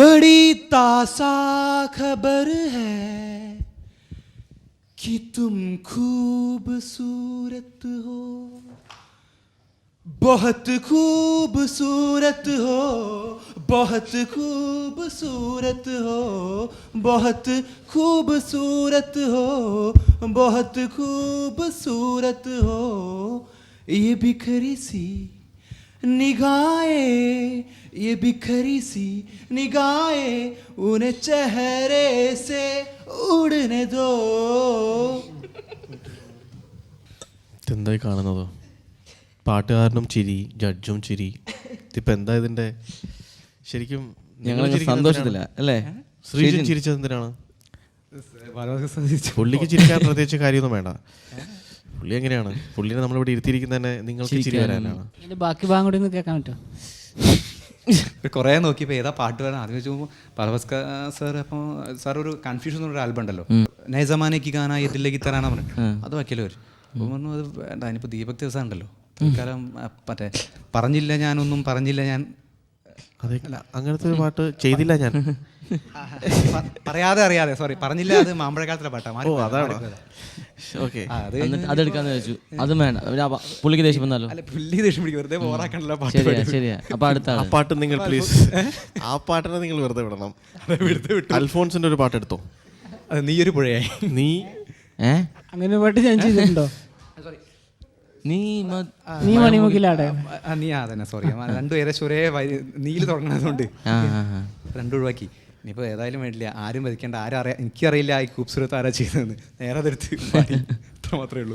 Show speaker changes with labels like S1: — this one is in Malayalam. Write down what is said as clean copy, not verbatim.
S1: बड़ी तासा खबर है कि तुम खूबसूरत हो, बहुत खूबसूरत हो, बहुत खूबसूरत हो, बहुत खूबसूरत हो, बहुत खूबसूरत हो। ये बिखरी सी निगाहें, ये बिखरी सी निगाहें उन्हें चेहरे से उड़ने दो.
S2: എന്തായി കാണുന്നത്? പാട്ടുകാരനും ചിരി, ജഡ്ജും ചിരി. ഇതിപ്പോൾ എന്താ ഇതിൻ്റെ ശരിക്കും
S3: ഞങ്ങൾ സന്തോഷത്തില്ല അല്ലേ?
S2: ശ്രീജൻ ചിരിച്ചത് എന്തിനാണ്? പുള്ളിക്ക് ചിരിക്കാൻ പ്രത്യേകിച്ച് കാര്യമൊന്നും വേണ്ട. പുള്ളി എങ്ങനെയാണ്? പുള്ളിനെ നമ്മളിവിടെ ഇരുത്തിയിരിക്കുന്ന തന്നെ നിങ്ങൾക്ക് ചിരി വരാനാണ്.
S4: ബാക്കി ഭാഗം കൂടി ഒന്ന് കേൾക്കാൻ പറ്റുമോ?
S5: കുറേ നോക്കിയപ്പോൾ ഏതാ പാട്ട് വരാൻ ആദ്യം വെച്ച് നോക്കുമ്പോൾ പർവസ്ക സാർ. അപ്പോൾ സാർ ഒരു കൺഫ്യൂഷൻ ഒരു ആൽബം ഉണ്ടല്ലോ, നയ ജമാനയ്ക്ക് ഗാന ഇതിലേക്ക് തരാനാ പറഞ്ഞിട്ട് അത് വയ്ക്കല്ലോ അവർ. അപ്പോൾ പറഞ്ഞു അത് വേണ്ട, അതിനിപ്പോൾ ദീപക് ദിവസം ഉണ്ടല്ലോ തൽക്കാലം മറ്റേ പറഞ്ഞില്ല ഞാനൊന്നും പറഞ്ഞില്ല ഞാൻ.
S2: അതെ, അങ്ങനത്തെ ഒരു പാട്ട് ചെയ്തില്ല ഞാൻ.
S5: പറയാതെ അറിയാതെ സോറി പറഞ്ഞില്ല, അത് മാമ്പഴക്കാലത്തിലെ പാട്ടാണ്.
S2: ഓ അതാണ്. ഓക്കെ,
S3: അതെടുക്കാന്ന് വെച്ചു. അതും വേണ്ട, പുള്ളിക്ക് ദേഷ്യം വന്നാലോ?
S5: അല്ല പുള്ളി ദേഷ്യം പിടിക്കും, വെറുതെ ബോറാക്കണ്ടല്ലോ പാട്ട്.
S3: ശരിയാ. അപ്പൊ അടുത്ത
S2: ആ പാട്ട് നിങ്ങൾ പ്ലീസ്, ആ പാട്ടിനെ നിങ്ങൾ വെറുതെ വിടണം. അൽഫോൺസിന്റെ ഒരു പാട്ട് എടുത്തോ.
S5: അത് നീ ഒരു പുഴയായി.
S2: നീ
S4: അങ്ങനെ പാട്ട് ഞാൻ ചെയ്തിട്ടുണ്ടോ?
S3: നീ
S4: മണിമുക്കിലാടെ
S5: നീ അതന്നെ സോറി, രണ്ടുപേരെ ചൊരേ നീല് തുടങ്ങുന്നതുകൊണ്ട് രണ്ടും ഒഴിവാക്കി. ഇനിയിപ്പോൾ ഏതായാലും വേണ്ടില്ല, ആരും വധിക്കേണ്ട, ആരും അറിയാം, എനിക്കറിയില്ല ഈ ഖൂബ്സൂരത്ത് ആരാ ചെയ്തതെന്ന്. നേരെ അതെടുത്ത് അത്ര മാത്രമേ ഉള്ളൂ.